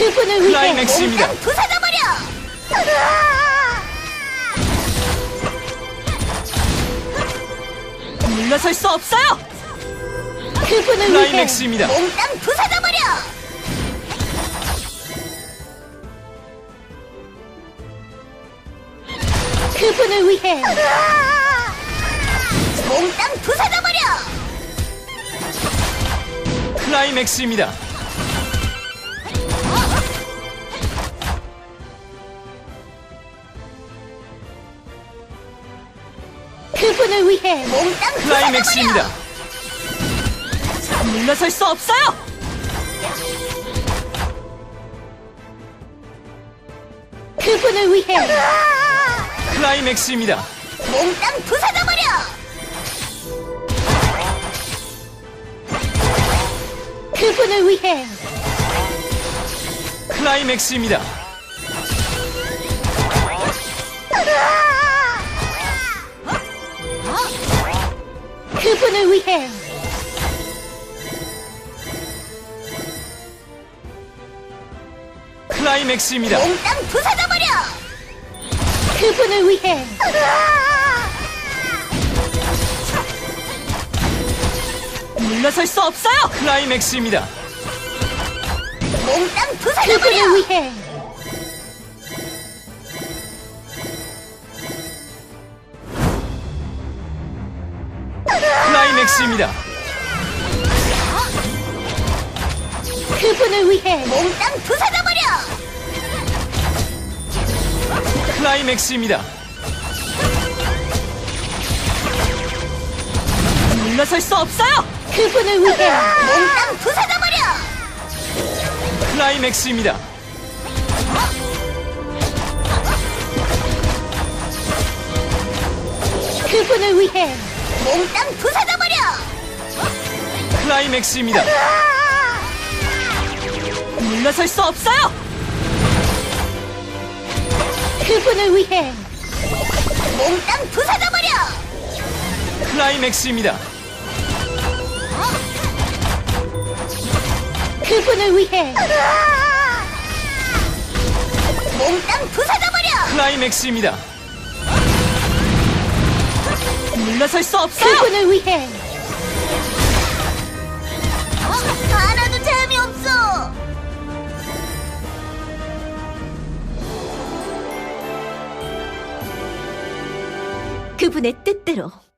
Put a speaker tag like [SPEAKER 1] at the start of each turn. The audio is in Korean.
[SPEAKER 1] 그분을 위해
[SPEAKER 2] 클라이맥스입니다.
[SPEAKER 1] 몽땅 부숴져버려!
[SPEAKER 2] 물러설 수 없어요.
[SPEAKER 1] 그분을
[SPEAKER 2] 클라이맥스입니다.
[SPEAKER 1] 위해 몽땅 부숴져버려! 그분을 위해 몽땅 부숴져버려!
[SPEAKER 2] 클라이맥스입니다.
[SPEAKER 1] 그분을 위해 몽땅
[SPEAKER 2] 클라이맥스입니다.
[SPEAKER 1] 부숴져버려!
[SPEAKER 2] 물러설 수 없어요.
[SPEAKER 1] 그분을 위해
[SPEAKER 2] 클라이맥스입니다.
[SPEAKER 1] 몽땅 부숴져버려! 그분을 위해
[SPEAKER 2] 클라이맥스입니다.
[SPEAKER 1] 그분을 위해
[SPEAKER 2] 클라이맥스입니다.
[SPEAKER 1] 몽땅 부숴져버려! 그분을 위해
[SPEAKER 2] 물러설 수 없어요. 클라이맥스입니다.
[SPEAKER 1] 몽땅
[SPEAKER 2] 그분을
[SPEAKER 1] 부숴져버려! 위해
[SPEAKER 2] 클라이맥스입니다.
[SPEAKER 1] 그분을 위해 몽땅 부숴져버려!
[SPEAKER 2] 클라이맥스입니다. 물러설 수 없어요.
[SPEAKER 1] 그분을 위해 몽땅 부숴져버려!
[SPEAKER 2] 클라이맥스입니다.
[SPEAKER 1] 그분을 위해 몽땅 부숴져버려!
[SPEAKER 2] 클라이맥스입니다. 물러설 수 없어요.
[SPEAKER 1] 그분을 위해 몽땅 부숴져버려!
[SPEAKER 2] 클라이맥스입니다.
[SPEAKER 1] 그분을 위해 몽땅 부숴져버려!
[SPEAKER 2] 클라이맥스입니다. 물러설 수 없어요.
[SPEAKER 1] 그분을 위해 하나도 재미없어! 그분의 뜻대로